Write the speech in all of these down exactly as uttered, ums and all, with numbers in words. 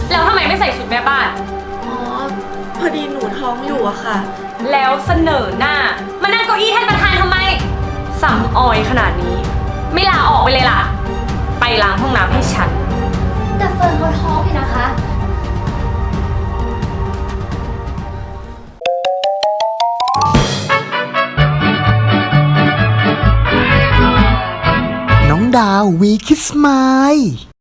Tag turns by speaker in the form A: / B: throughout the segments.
A: แล้วทำไมไม่ใส่ชุดแม่บ้าน
B: อ๋อ พอดีหนูท้องอยู่อะค่ะ
A: แล้วเสนอหน้ามานั่งเก้าอี้ท่านประธานทำไมสำออยขนาดนี้ ไม่ลาออกไปเลยล่ะ ไปล้างห้องน้ำให้ฉัน
C: แต่เฟิร์นเขาท้องอยู่นะคะ
D: น้องดาววีคิสไมล์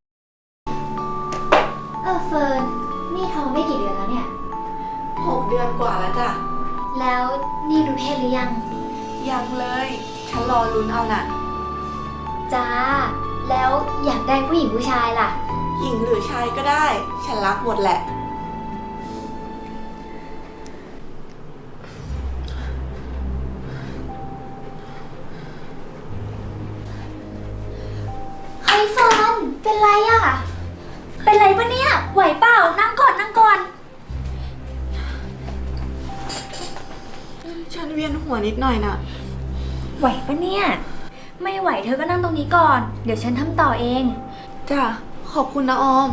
C: เออเฟิร์นนี่ท้องได้กี่เดือนแล้วเนี่ย
B: หกเดือนกว่าแล้วจ้ะ
C: แล้วนี่รู้เพศหรือยัง
B: ยังเลย ฉันรอลุ้นเอาน่ะ
C: จ้า แล้วอยากได้ผู้หญิงผู้ชายล่ะ
B: หญิงหรือชายก็ได้ ฉันรักหมดแหละ
C: เฮ้ยเฟิร์นเป็นไรอะเป็นไรปะเนี่ย ไหวเปล่า นั่งก่อนนั่งก่อน
B: ฉันเวียนหัวนิดหน่อยน่ะ
C: ไหวปะเนี่ย ไม่ไหวเธอก็นั่งตรงนี้ก่อน เดี๋ยวฉันทำต่อเอง
B: จ้ะ ขอบคุณนะออม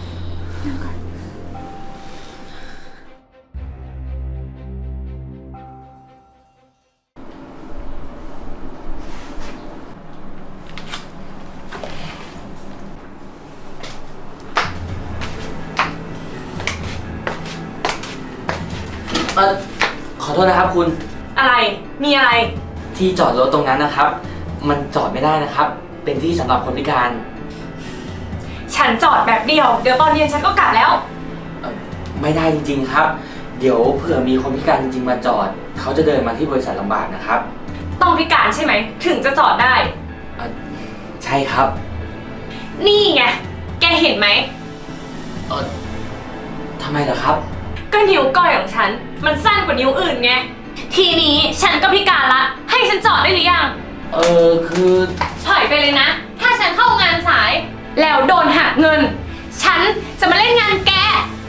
E: เออขอโทษนะครับคุณ
A: อะไร มีอะไร
E: ที่จอดรถตรงนั้นนะครับ มันจอดไม่ได้นะครับ เป็นที่สำหรับคนพิการ
A: ฉันจอดแบบเดียว เดี๋ยวตอนเย็นฉันก็กลับแล้ว
E: เอ่อไม่ได้จริงๆครับ เดี๋ยวเผื่อมีคนพิการจริงๆมาจอด เขาจะเดินมาที่บริษัทลำบากนะครับ
A: ต้องพิการใช่ไหม ถึงจะจอดได้
E: เอ่อใช่ครับ
A: นี่ไง แกเห็นไหม
E: เออทำไมล่ะครับ
A: ก็นิ้วก้อยของฉัน มันสั้นกว่านิ้วอื่นไง ทีนี้ฉันก็พิการละ ให้ฉันจอดได้หรือยัง
E: เออคือ
A: ถอยไปเลยนะ ถ้าฉันเข้างานสาย แล้วโดนหักเงิน ฉันจะมาเล่นงานแก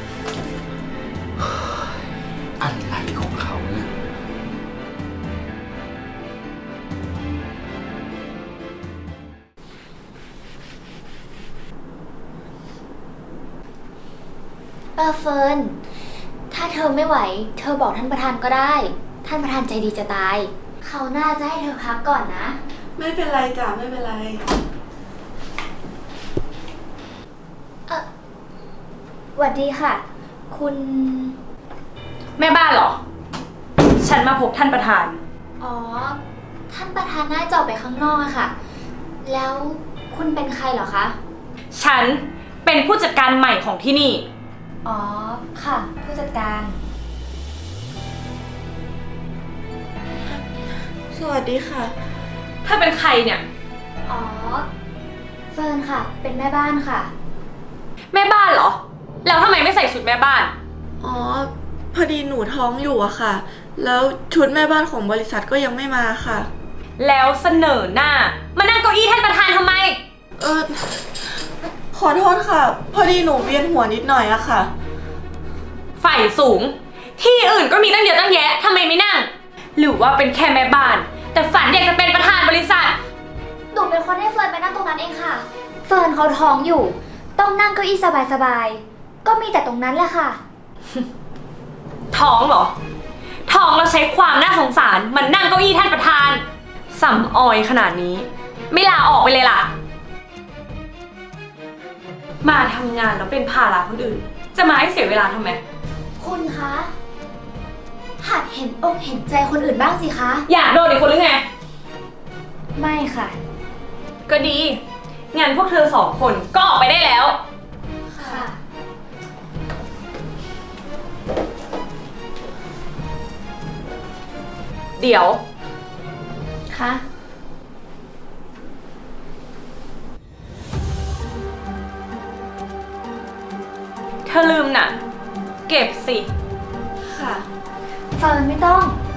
E: อะไรของเขาเนี่ย
C: เออเฟิร์น ถ้าเธอไม่ไหว เธอบอกท่านประธานก็ได้ ท่านประธานใจดีจะตาย เขาน่าจะให้เธอพักก่อนนะ
B: ไม่เป็นไรจ้ะ ไม่เป็นไร
C: เออหวัดดีค่ะ คุณ
A: แม่บ้านเหรอ ฉันมาพบท่านประธาน
C: อ๋อ ท่านประธานน่าจะออกไปข้างนอกอะค่ะ แล้วคุณเป็นใครเหรอคะ
A: ฉันเป็นผู้จัดการใหม่ของที่นี่
C: อ๋อ ค่ะ ผู้จัดการ
B: สวัสดีค่ะ
A: ถ้าเป็นใครเนี่ย
C: อ๋อ เฟิร์นค่ะ เป็นแม่บ้านค่ะ
A: แม่บ้านเหรอ แล้วทำไมไม่ใส่ชุดแม่บ้าน
B: อ๋อ พอดีหนูท้องอยู่อะค่ะ แล้วชุดแม่บ้านของบริษัทก็ยังไม่มาค่ะ
A: แล้วเสนอหน้ามานั่งเก้าอี้ท่านประธานทำไม
B: เออ ขอโทษค่ะ พอดีหนูเวียนหัวนิดหน่อยอะค่ะ
A: ฝ่ายสูง ที่อื่นก็มีตั้งเยอะตั้งแยะทำไมไม่นั่ง หรือว่าเป็นแค่แม่บ้าน แต่ฝันอยากจะเป็นประธานบริษัท
C: หนูเป็นคนให้เฟิร์นไปนั่งตรงนั้นเองค่ะ เฟิร์นเขาท้องอยู่ ต้องนั่งเก้าอี้สบายๆ ก็มีแต่ตรงนั้นแหละค่ะ
A: ท้องเหรอ ท้องเราใช้ความน่าสงสารมันนั่งเก้าอี้ท่านประธานสำออยขนาดนี้ ไม่ลาออกไปเลยล่ะ มาทำงานแล้วเป็นภาระคนอื่น จะมาให้เสียเวลาทำไม
C: คุณคะ หัดเห็นอกเห็นใจคนอื่นบ้างสิคะ
A: อยากโดนอีกคนหรือไง
C: ไม่ค่ะ
A: ก็ดี งั้นพวกเธอสองคนก็ออกไปได้แล้ว
C: ค่ะ
A: เดี๋ยว
C: คะ
A: เธอลืมน่ะ เก็บสิ
B: ค่ะ
C: เฟิร์นไม่ต้อง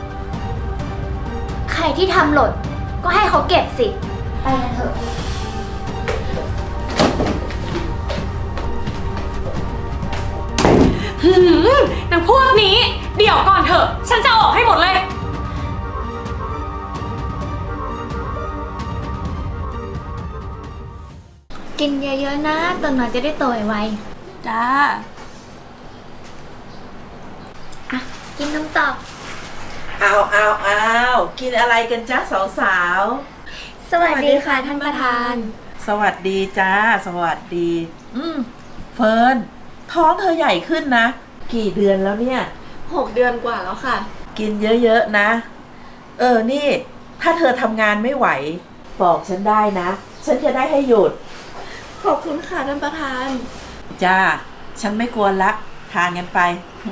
C: ใครที่ทำหล่นก็ให้เขาเก็บสิ ไปกันเถอะ
A: หืมนางพวกนี้ เดี๋ยวก่อนเถอะ ฉันจะออกให้หมดเลย
C: กินเยอะๆนะตอนนอนจะได้โตไว
B: จ้า
C: กินน้ำต่อ
F: เอาเอาเอากินอะไรกันจ้าสาว
C: สวัสดีค่ะท่านประธาน
F: ๆ สวัสดีจ้า สวัสดี อืมเฟิร์นท้องเธอใหญ่ขึ้นนะ กี่เดือนแล้วเนี่ย
B: หกเดือนกว่าแล้วค่ะ
F: กินเยอะๆนะ เออ นี่ ถ้าเธอทำงานไม่ไหว บอกฉันได้นะ ฉันจะได้ให้หยุด
B: ขอบคุณค่ะท่านประธาน
F: จ้า ฉันไม่กวนละ ทานกันไป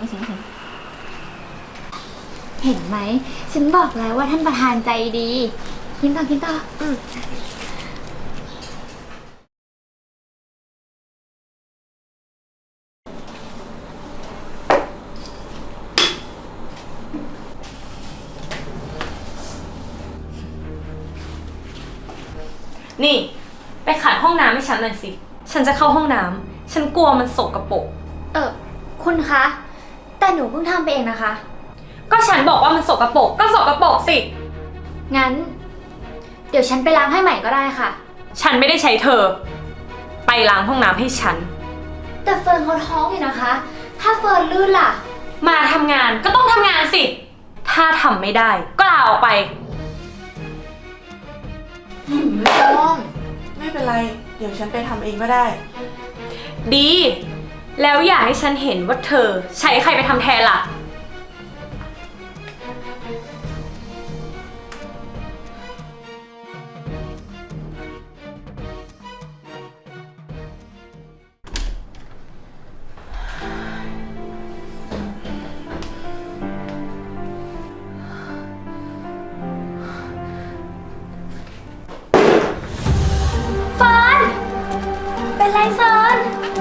C: เห็นไหม ฉันบอกแล้วว่าท่านประธานใจดี กินต่อกินต่ออืม
A: นี่ ไปขัดห้องน้ำให้ฉันหน่อยสิ ฉันจะเข้าห้องน้ำ ฉันกลัวมันสกปรก
C: เออคุณคะ แต่หนูเพิ่งทำไปเองนะคะ
A: ก็ฉันบอกว่ามันสกปรก ก็สกปรกสิ
C: งั้น เดี๋ยวฉันไปล้างให้ใหม่ก็ได้ค่ะ
A: ฉันไม่ได้ใช้เธอ ไปล้างห้องน้ำให้ฉัน
C: แต่เฟิร์นเขาท้องอยู่นะคะ ถ้าเฟิร์นลื่นล่ะ
A: มาทำงานก็ต้องทำงานสิ ถ้าทำไม่ได้ก็ลาออกไป
B: ไม่ต้องไม่เป็นไร เดี๋ยวฉันไปทำเองก็ได้
A: ดี แล้วอย่าให้ฉันเห็นว่าเธอใช้ใครไปทำแทนล่ะ
C: เฟิร์น เป็นไรเฟิร์น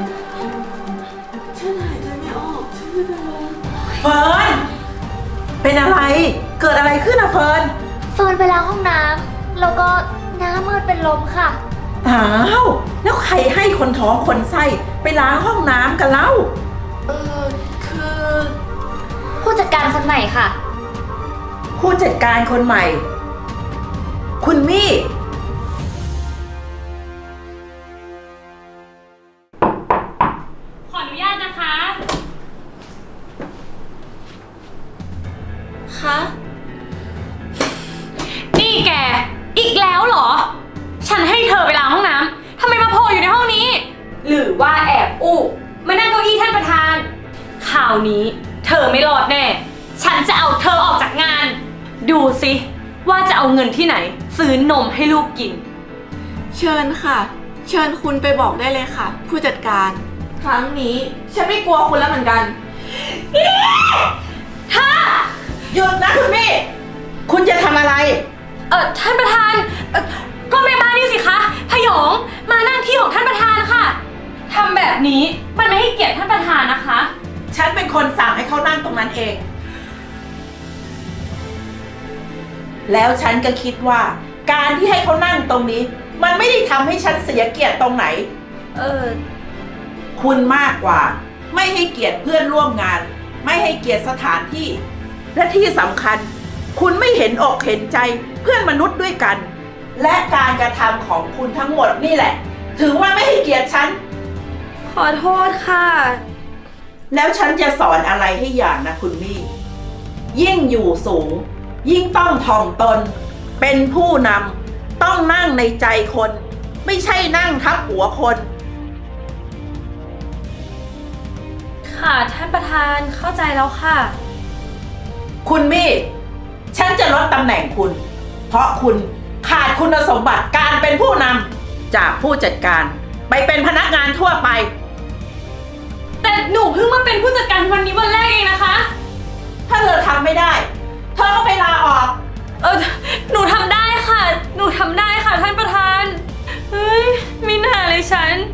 B: ฉันหายใจไม่ออก ฉันไม่เป็นไร
F: เฟิร์น เป็นอะไร เกิดอะไรขึ้นอะเฟิร์น
C: เฟิร์นไปล้างห้องน้ำแล้วก็หน้ามืดเป็นลมค่ะ
F: อ้าว แล้วใครให้คนท้องคนไส้ไปล้างห้องน้ำกันเล่า
B: เออคือ
C: ผู้จัดการคนใหม่ค่ะ
F: ผู้จัดการคนใหม่ คุณมี่
A: ขออนุญาตนะคะ
B: คะ
A: นี่แก อีกแล้วเหรอ ฉันให้เธอไปล้างห้องน้ำ ทำไมมาโผล่อยู่ในห้องนี้ หรือว่าแอบอู้มานั่งเก้าอี้ท่านประธาน คราวนี้เธอไม่รอดแน่ ฉันจะเอาเธอออกจากงาน ดูสิว่าจะเอาเงินที่ไหน ซื้อนมให้ลูกกิน
B: เชิญค่ะ เชิญคุณไปบอกได้เลยค่ะ ผู้จัดการ ครั้งนี้ฉันไม่กลัวคุณแล้วเหมือนกัน
A: ถ้า
F: หยุดนะคุณมี่ คุณจะทำอะไร
A: เออท่านประธานเอ่อก็แม่บ้านนี่สิคะพยองมานั่งที่ของท่านประธานค่ะทำแบบนี้มันไม่ให้เกียรติท่านประธานนะคะ
F: ฉันเป็นคนสั่งให้เขานั่งตรงนั้นเอง แล้วฉันก็คิดว่า การที่ให้เขานั่งตรงนี้ มันไม่ได้ทำให้ฉันเสียเกียรติตรงไหน
A: เออ
F: คุณมากกว่า ไม่ให้เกียรติเพื่อนร่วมงาน ไม่ให้เกียรติสถานที่ และที่สำคัญ คุณไม่เห็นอกเห็นใจเพื่อนมนุษย์ด้วยกัน และการกระทำของคุณทั้งหมดนี่แหละ ถือว่าไม่ให้เกียรติฉัน
A: ขอโทษค่ะ
F: แล้วฉันจะสอนอะไรให้อย่างนะคุณมี่ ยิ่งอยู่สูง ยิ่งต้องถ่อมตน เป็นผู้นำต้องนั่งในใจคน ไม่ใช่นั่งทับหัวคน
A: ค่ะท่านประธานเข้าใจแล้วค่ะ
F: คุณมี่ ฉันจะลดตำแหน่งคุณ เพราะคุณขาดคุณสมบัติการเป็นผู้นำจากผู้จัดการไปเป็นพนักงานทั่วไป
A: แต่หนูเพิ่งมาเป็นผู้จัดการวันนี้วันแรกเองนะคะ
F: ถ้าเธอทำไม่ได้ เธอก็ไปลาออก
A: เออหนูทำได้ค่ะ หนูทำได้ค่ะท่านประธาน เฮ้ยไม่น่าเลยฉัน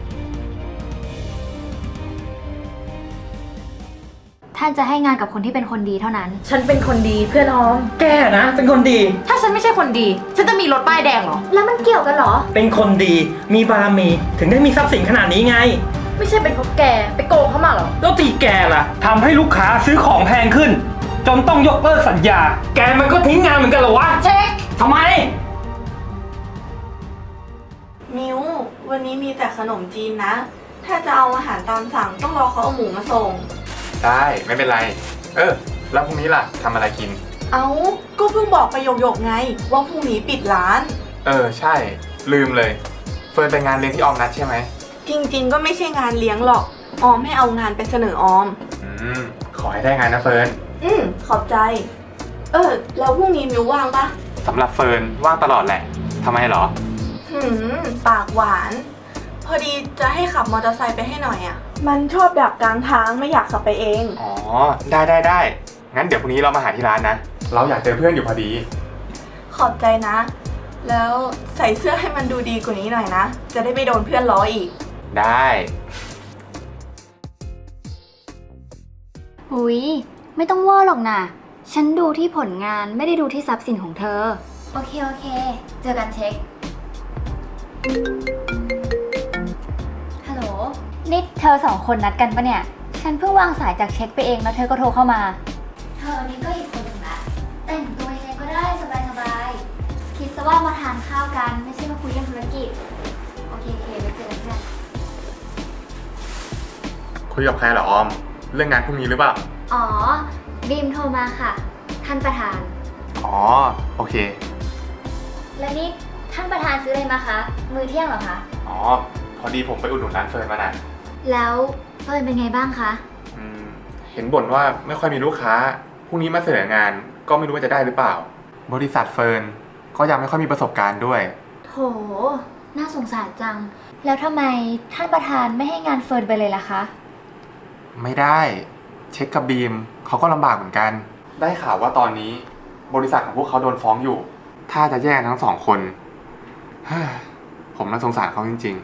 C: ท่านจะให้งานกับคนที่เป็นคนดีเท่านั้น
A: ฉันเป็นคนดีเพื่อนออม
E: แกนะ เป็นคนดี
A: ถ้าฉันไม่ใช่คนดี ฉันจะมีรถป้ายแดงเหรอ
C: แล้วมันเกี่ยวกันเหรอ
G: เป็นคนดี มีบารมี ถึงได้มีทรัพย์สินขนาดนี้ไง
A: ไม่ใช่เป็นเพราะแกไปโกงเขามาเหรอ
G: แล้วตีแกล่ะทำให้ลูกค้าซื้อของแพงขึ้น จนต้องยกเลิกสัญญา แกมันก็ทิ้งงานเหมือนกันเหรอวะ
A: เช็ค
G: ทำไม
B: มิววันนี้มีแต่ขนมจีนนะ ถ้าจะเอาอาหารตามสั่งต้องรอเขาเอาหมูมาส่ง
H: ได้ไม่เป็นไร เออแล้วพรุ่งนี้ล่ะทำอะไรกิน
B: เอาก็เพิ่งบอกประโยคๆไง ว่าพรุ่งนี้ปิดร้าน
H: เออใช่ ลืมเลย เฟิร์นไปงานเลี้ยงที่ออมนัดใช่ไหม
B: จริงๆ ก็ไม่ใช่งานเลี้ยงหรอก ออมให้เอางานไปเสนอออม
H: อืม ขอให้ได้งานนะเฟิร์น
B: อืมขอบใจ เออ แล้วพรุ่งนี้มิวว่างปะ
H: สำหรับเฟิร์นว่างตลอดแหละทำไมเหรอ
B: หืม ปากหวาน พอดีจะให้ขับมอเตอร์ไซค์ไปให้หน่อยอะ่ะ มันชอบดักกลางทางไม่อยากขับไปเอง
H: อ๋อ ได้ได้ได้ งั้นเดี๋ยวพรุ่งนี้เรามาหาที่ร้านนะ เราอยากเจอเพื่อนอยู่พอดี
B: ขอบใจนะ แล้วใส่เสื้อให้มันดูดีกว่านี้หน่อยนะ จะได้ไม่โดนเพื่อนล้ออีก
H: ได้
C: อุ๊ย ไม่ต้องวอหรอกนะฉันดูที่ผลงานไม่ได้ดูที่ทรัพย์สินของเธอ โอเค โอเค เจอกันเช็ค ฮัลโหล นี่เธอสองคนนัดกันปะเนี่ย ฉันเพิ่งวางสายจากเช็คไปเองแล้วเธอก็โทรเข้ามา เธอนี่ก็อีกคนหนึ่งนะ แต่งตัวยังไงก็ได้สบายๆ คิดซะว่ามาทานข้าวกันไม่ใช่มาคุยเรื่องธุรกิจ โอเคโอเคไปเจอกันเพื่อน
H: คุยกับใครเหรอออม เรื่องงานพรุ่งนี้หรือเปล่า
C: อ๋อ บีมโทรมาค่ะ ท่านประธาน
H: อ๋อ โอเค
C: แล้วนี่ท่านประธานซื้ออะไรมาคะ มื้อเที่ยงเหรอคะ
H: อ๋อ พอดีผมไปอุดหนุนร้านเฟิร์นมาน่ะ
C: แล้วเฟิร์นเป็นไงบ้างคะ
H: อืม เห็นบ่นว่าไม่ค่อยมีลูกค้า พรุ่งนี้มาเสนองานก็ไม่รู้ว่าจะได้หรือเปล่า บริษัทเฟิร์นก็ยังไม่ค่อยมีประสบการณ์ด้วย
C: โถ น่าสงสารจัง แล้วทำไมท่านประธานไม่ให้งานเฟิร์นไปเลยล่ะคะ
H: ไม่ได้ เช็คกับบีมเขาก็ลำบากเหมือนกัน ได้ข่าวว่าตอนนี้ บริษัทของพวกเขาโดนฟ้องอยู่ ถ้าจะแย่ทั้งสองคน เฮ้ยผมน่าสงสารเขาจริงๆ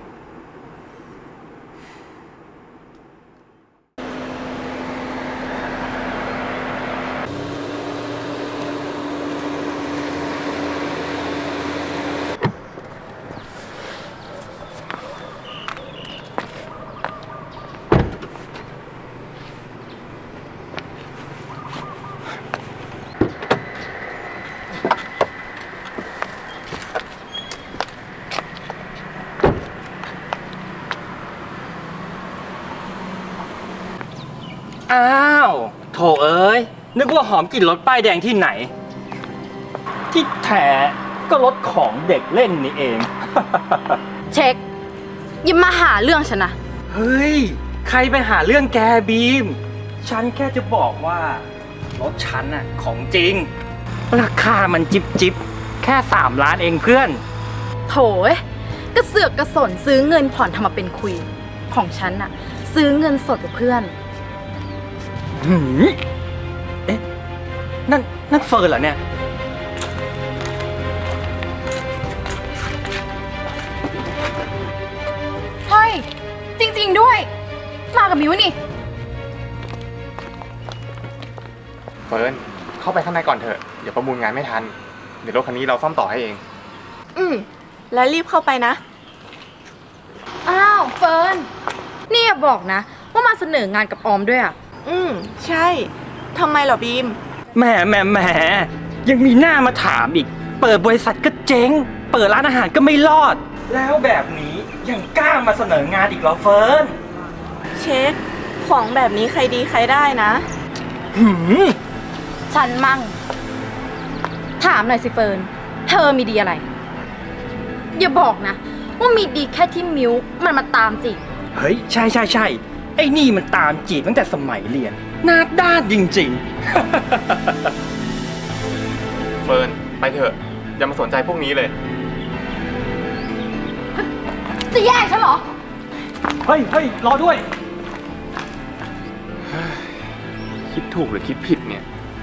G: อ้าว โถเอ้ย นึกว่าหอมกลิ่นรถป้ายแดงที่ไหน ที่แท้ก็รถของเด็กเล่นนี่เอง
A: เช็คอยิ้มมาหาเรื่องฉันนะ
G: เฮ้ย ใครไปหาเรื่องแกบีม ฉันแค่จะบอกว่า รถฉันน่ะของจริง ราคามันจิบจิบแค่สามล้านเองเพื่อน
A: โถยกระเสือกกระสนซื้อเงินผ่อนทำมาเป็นคุย ของฉันน่ะ ซื้อเงินสดกับเพื่อน
G: หืมเอ๊ะ นั่น นั่นเฟิร์นเหรอเนี่ย
A: เฮ้ย จริงๆด้วย มากับมิวนี่
H: เฟิร์นเข้าไปข้างในก่อนเถอะ เดี๋ยวประมูลงานไม่ทัน เดี๋ยวรถคันนี้เราซ่อมต่อให้เอง
B: อืม แล้วรีบเข้าไปนะ
A: อ้าว เฟิร์น นี่อย่าบอกนะ ว่ามาเสนองานกับออมด้วยอ่ะ
B: อืม ใช่ทำไมเหรอบีม
G: แหมแหมแหมยังมีหน้ามาถามอีก เปิดบริษัทก็เจ๊ง เปิดร้านอาหารก็ไม่รอด แล้วแบบนี้ยังกล้ามาเสนองานอีกเหรอเฟิร์น
B: เช็ค ของแบบนี้ใครดีใครได้นะ
G: หืม
A: ฉันมั่ง ถามหน่อยสิเฟิร์น เธอมีดีอะไร อย่าบอกนะ ว่ามีดีแค่ที่มิวมันมาตามจีบ
G: เฮ้ย ใช่ใช่ใช่ไอ้นี่มันตามจีบตั้งแต่สมัยเรียนหน้าด้านจริง
H: เฟิร์นไปเถอะ อย่ามาสนใจพวกนี้เลย
A: จะแย่งฉันเหรอ
G: ๆ เฮ้ยเฮ้ยรอด้วย
H: คิดถูกหรือคิดผิดเนี่ย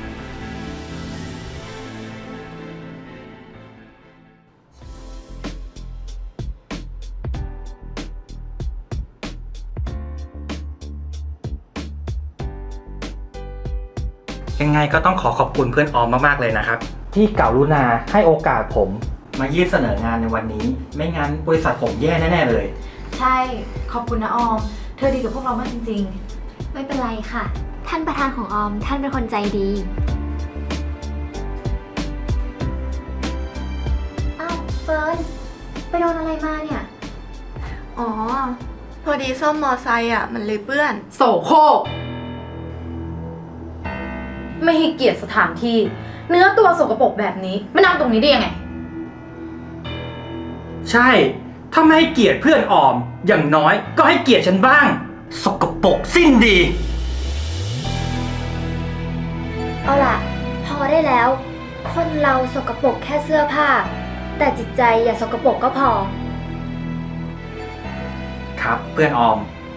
G: ยังไงก็ต้องขอขอบคุณเพื่อนออมมากๆเลยนะครับ ที่กรุณาให้โอกาสผมมายื่นเสนองานในวันนี้ ไม่งั้นบริษัทผมแย่แน่ๆเลย
I: ใช่ ขอบคุณนะออม เธอดีกับพวกเรามากจริง
C: ไม่เป็นไรค่ะ ท่านประธานของออม ท่านเป็นคนใจดี อ้าวเฟิร์น ไปโดนอะไรมาเนี่ย
B: อ๋อ พอดีซ่อมมอไซค์อ่ะ มันเลยเปื้อน
A: โสโครก
I: ไม่ให้เกียรติสถานที่ เนื้อตัวสกปรกแบบนี้มานั่งตรงนี้ได้ยังไง
G: ใช่ ถ้าไม่ให้เกียรติเพื่อนออม อย่างน้อยก็ให้เกียรติฉันบ้าง สกปรกสิ้นดี
C: เอาล่ะ พอได้แล้ว คนเราสกปรกแค่เสื้อผ้า แต่จิตใจอย่าสกปรกก็พอ
G: ครับเพื่อนออม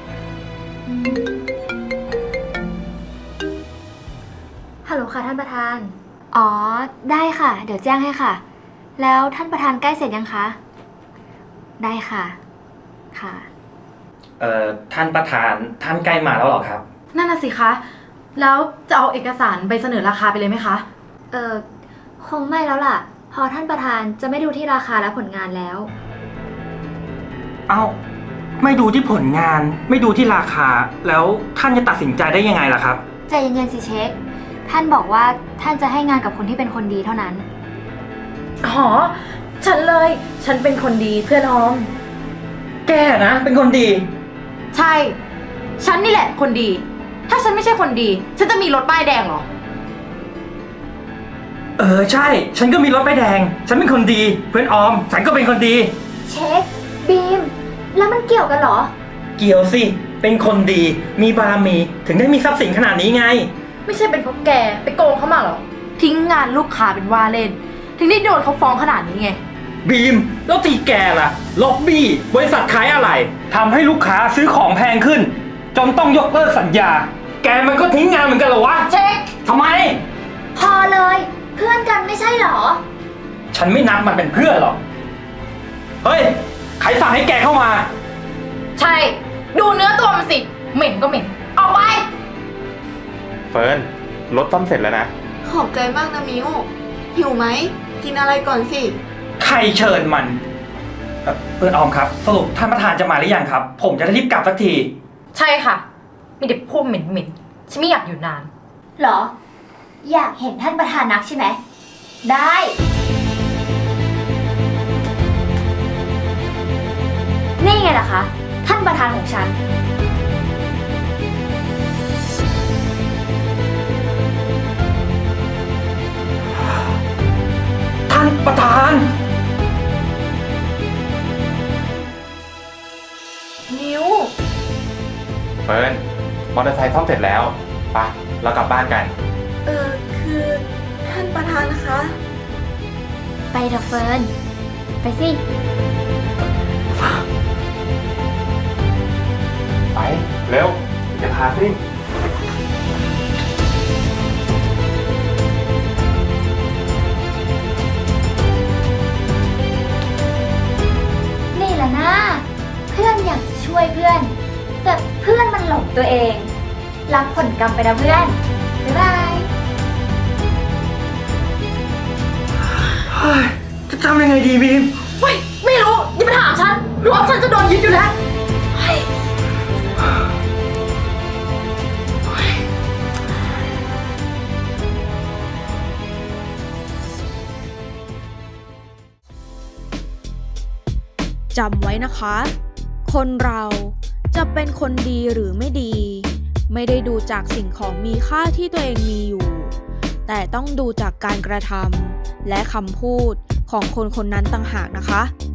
C: ฮัลโหลค่ะท่านประธาน อ๋อ ได้ค่ะ เดี๋ยวแจ้งให้ค่ะ แล้วท่านประธานใกล้เสร็จยังคะ ได้ค่ะ ค่ะ
G: เอ่อท่านประธานท่านใกล้มาแล้วเหรอครับ
I: นั่นน่ะสิคะ แล้วจะเอาเอกสารไปเสนอราคาไปเลยไหมคะ
C: เออคงไม่แล้วล่ะ พอท่านประธานจะไม่ดูที่ราคาและผลงานแล้ว
G: เอ้า ไม่ดูที่ผลงาน ไม่ดูที่ราคา แล้วท่านจะตัดสินใจได้ยังไงล่ะครับ
C: ใจเย็นๆสิเช็ค ท่านบอกว่าท่านจะให้งานกับคนที่เป็นคนดีเท่านั้น
I: อ๋อ ฉันเลย ฉันเป็นคนดีเพื่อนออม
G: แกนะเป็นคนดี
I: ใช่ ฉันนี่แหละคนดี ถ้าฉันไม่ใช่คนดี ฉันจะมีรถป้ายแดงเหรอ
G: เออใช่ ฉันก็มีรถป้ายแดง ฉันเป็นคนดี เพื่อนออม ฉันก็เป็นคนดี
C: เช็ค บีม แล้วมันเกี่ยวกันเหรอ
G: เกี่ยวสิ เป็นคนดี มีบารมี ถึงได้มีทรัพย์สินขนาดนี้ไง
I: ไม่ใช่เป็นเพราะแกไปโกงเขามาเหรอ ทิ้งงานลูกค้าเป็นว่าเล่น ถึงได้โดนเขาฟ้องขนาดนี้ไง
G: บีม แล้วตีแกล่ะ ล็อบบี้ บริษัทขายอะไรทำให้ลูกค้าซื้อของแพงขึ้น จนต้องยกเลิกสัญญา แกมันก็ทิ้งงานเหมือนกันเหรอวะ
I: เช็ค
G: ทำไม
C: พอเลย เพื่อนกันไม่ใช่เหรอ
G: ฉันไม่นับมันเป็นเพื่อนหรอก เฮ้ย ใครสั่งให้แกเข้ามา
I: ใช่ ดูเนื้อตัวมันสิ เหม็นก็เหม็น ออกไป
H: เฟิร์นรถต้มเสร็จแล้วนะ
B: ขอบใจมากนะมิวหิวไหม กินอะไรก่อนสิ
G: ใครเชิญมันเอ่อเพื่อนออมครับ สรุปท่านประธานจะมาหรือยังครับ ผมจะได้รีบกลับสักที
I: ใช่ค่ะ มีเด็กพูดเหม็นเหม็นๆฉันไม่อยากอยู่นาน
C: เหรอ อยากเห็นท่านประธานนักใช่ไหม ได้ นี่ไงล่ะคะ ท่านประธานของฉัน
G: ท่านประธาน
B: มิว
H: เฟิร์นมอเตอร์ไซค์ซ่อมเสร็จแล้วไปะเรากลับบ้านกัน
B: เออคือท่านประธานคะ
C: ไปเถอะเฟิร์น ไปสิ
H: ไป เร็วจะพาซิ่ง
C: นี่แหละนะ เพื่อนอยากจะช่วยเพื่อน แต่เพื่อนมันหลงตัวเอง รับผลกรรมไปนะเพื่อน บ๊ายบาย
G: จะทำยังไงดีบีม
I: เฮ้ย ไม่รู้ อย่ามาถามฉันรถฉันจะโดนยึดอยู่แล้วเฮ้ย
J: จำไว้นะคะ คนเราจะเป็นคนดีหรือไม่ดี ไม่ได้ดูจากสิ่งของมีค่าที่ตัวเองมีอยู่ แต่ต้องดูจากการกระทำและคำพูดของคนคนนั้นต่างหากนะคะ